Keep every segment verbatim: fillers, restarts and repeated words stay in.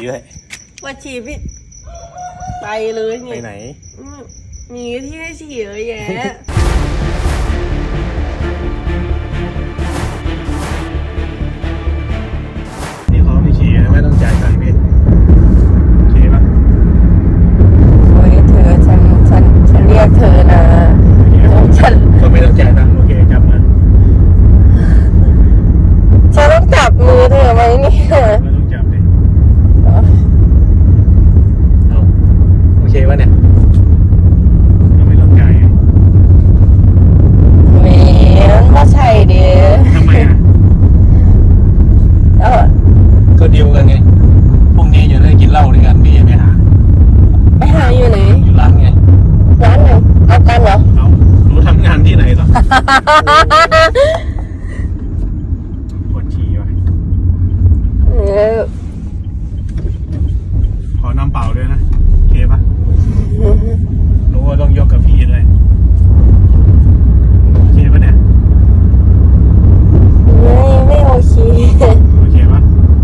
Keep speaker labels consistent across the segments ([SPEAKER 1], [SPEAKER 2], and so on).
[SPEAKER 1] ด้วย
[SPEAKER 2] ปวดฉี่พี่ไปเลยไง
[SPEAKER 1] ไปไหน
[SPEAKER 2] มีที่ให้ฉี่เยอะแยะ
[SPEAKER 1] นี่เขาไม่ฉี่ไม่ต้องจ่ายตังค์พี่โอเคปะ
[SPEAKER 2] โอ้ยเธอฉันฉันฉันเรียกเธอนะฉัน
[SPEAKER 1] ก็ไม่ต้องจ่ายตังค์โอเคจับมัน
[SPEAKER 2] ฉันต้องจับมือเธอไหมเนี่ย
[SPEAKER 1] ไม่ต้องจับเลยเอาโอเควะเนี่ยไม่ต้องจ่าย
[SPEAKER 2] แหมมันไม่ใช่เด้อ
[SPEAKER 1] ทำไมอ่ะ
[SPEAKER 2] เออ
[SPEAKER 1] ก็ดีลกันไงพรุ่งนี้จะได้กินเหล้าด้วยกันพี่ไปหา
[SPEAKER 2] ไปหาอยู่ไหน
[SPEAKER 1] อยู่ร้านไง
[SPEAKER 2] ร้านไหนเอากันเหรอ
[SPEAKER 1] เอารู้ทำงานที่ไหนต่อปวดฉี่ว่ะ
[SPEAKER 2] เออ
[SPEAKER 1] ขอน้ำเปล่าด้วยนะโอเคปะรู้ว่าต้องยกกับพี่ด้วยโอเคปะเนี่ย
[SPEAKER 2] ไม่ไม่โอเค
[SPEAKER 1] โอเคปะ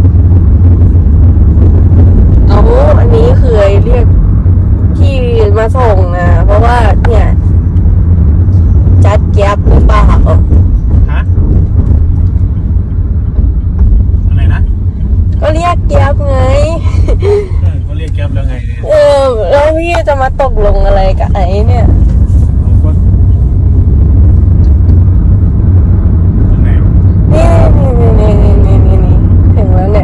[SPEAKER 2] เอาอันนี้เคยเรียกพี่มาส่งนะเพราะว่าเนี่ยจัดแก๊ปหรือเปล่า
[SPEAKER 1] ฮะอะไรนะ
[SPEAKER 2] ก็เรียกแก๊ปไง
[SPEAKER 1] เออเขาเรียกแก๊ปแล้วไงเนี่ย
[SPEAKER 2] เออแล้วพี่จะมาตกลงอะไรกับไอ้เนี่ย
[SPEAKER 1] เราก็ตรงไหนวะ
[SPEAKER 2] นี่นี่นี่นี่นี่นี่ถึงแล้วเนี่ย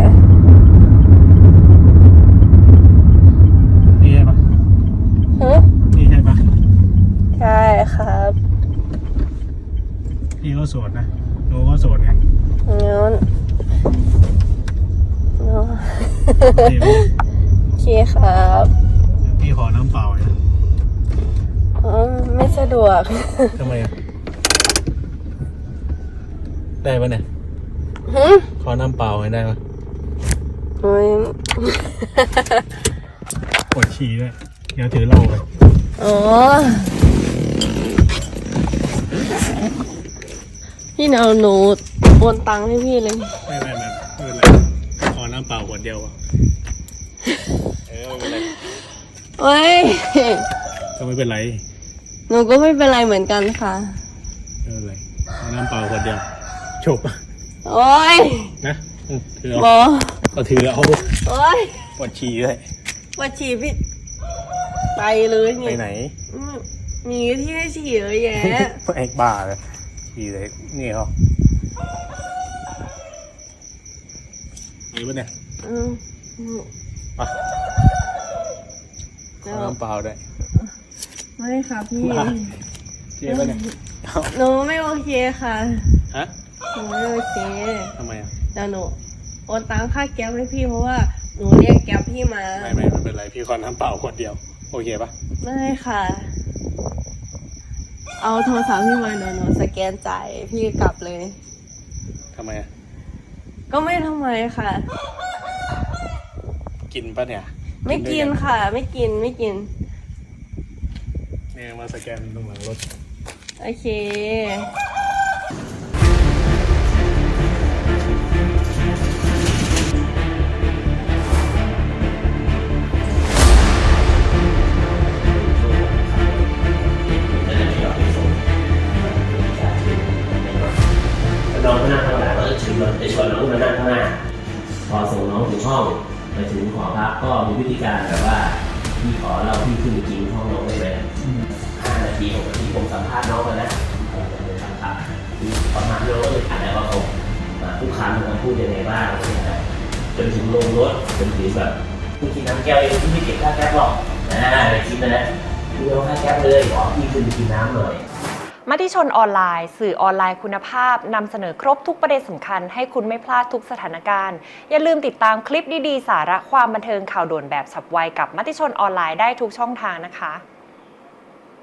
[SPEAKER 1] นี่ใช่ปะ
[SPEAKER 2] ฮะ
[SPEAKER 1] นี่ใช่ปะ
[SPEAKER 2] ใช่ครับ
[SPEAKER 1] พี่ก็โสดนะหนูก็โสดไง
[SPEAKER 2] งั้นเนาะโอเคครับ
[SPEAKER 1] พี่ขอน้ำเปล่านะ
[SPEAKER 2] อ๋อไม่สะดวก
[SPEAKER 1] ทำไมอ่ะได้ปะเนี่ยขอน้ำเปล่าให้ได้ปะ
[SPEAKER 2] โอ้ย
[SPEAKER 1] ปวดฉี่ด้วยเดี๋ยวถือเหล้าไป
[SPEAKER 2] อ๋อพี่เอาหนูโอนตังค์ให้พี่เลย
[SPEAKER 1] ไม่ไม่ไม่ไม่เป็นไรขอน้ำเปล่าขวดเดียวอ่ะเออไม่เป็นไร
[SPEAKER 2] โอ้ย
[SPEAKER 1] ก็ไม่เป็นไร
[SPEAKER 2] หนูก็ไม่เป็นไรเหมือนกันค่ะ
[SPEAKER 1] ไม่เป็นไรขอน้ำเปล่าขวดเดียวจบ
[SPEAKER 2] โอ้ย
[SPEAKER 1] นะถือเอาก็ถือเอา
[SPEAKER 2] โอ้ย
[SPEAKER 1] ปวดฉี่ด้วย
[SPEAKER 2] ปวดฉี่พี่ไปเลยไง
[SPEAKER 1] ไปไหน
[SPEAKER 2] มีที่ให้ฉี่เยอะแยะ
[SPEAKER 1] ไอ้บ้าเลยฉี่เลยนี่เขามีปะเนี่ย
[SPEAKER 2] อืม
[SPEAKER 1] ไปขอน้ำเปล่าได้
[SPEAKER 2] ไม่ค่ะพี่
[SPEAKER 1] เจ๊ปะเนี่ย
[SPEAKER 2] หนูไม่โอเคค่ะ
[SPEAKER 1] ฮะ
[SPEAKER 2] หนูไม่โอเค
[SPEAKER 1] ทำไมอ่ะ
[SPEAKER 2] แต่หนูโอนตังค่าแก๊ปให้พี่เพราะว่าหนูเรียกแก๊ปพี่มา
[SPEAKER 1] ไม่ไม่ไม่เป็นไรพี่ขอน้ำเปล่าขวดเดียวโอเคปะ
[SPEAKER 2] ไม่ค่ะเอาโทรศัพท์พี่มาหนูหนูสแกนจ่ายพี่กลับเลย
[SPEAKER 1] ทำไมอ่ะ
[SPEAKER 2] ก็ไม่ทำไมค่ะ
[SPEAKER 1] กินปะเนี่ย
[SPEAKER 2] ไม่กินค่ะไม่กินไม่กิน
[SPEAKER 1] เนี่ยมาสแกนตรงหลังรถ
[SPEAKER 2] โอเค
[SPEAKER 3] น้องก็นั่งข้างหลังแล้วจะชวนจะชวนน้องมานั่งข้างหน้าพอส่งน้องถึงห้องไปถึงหอพักก็มีวิธีการแบบว่าพี่ขอเราพี่ขึ้นไปกินห้องน้องได้ไหมห้านาทีหกนาทีผมสัมภาษณ์น้องมาแล้วผมจะไปทำข่าวประมาณน้องก็เลยถามแล้วว่าเขาผู้ค้ามันพูดยังไงบ้างจนถึงลงรถจนถึงแบบพี่กินน้ำแก้วเองพี่ไม่เก็บค่าแก๊ปหรอกนะไปคิดนะนะพี่เอาค่าแก๊ปเลยขอพี่ขึ้นไปกินน้ำหน่อย
[SPEAKER 4] มติชนออนไลน์สื่อออนไลน์คุณภาพนำเสนอครบทุกประเด็นสำคัญให้คุณไม่พลาดทุกสถานการณ์อย่าลืมติดตามคลิปดีๆสาระความบันเทิงข่าวด่วนแบบฉับไวกับมติชนออนไลน์ได้ทุกช่องทางนะคะ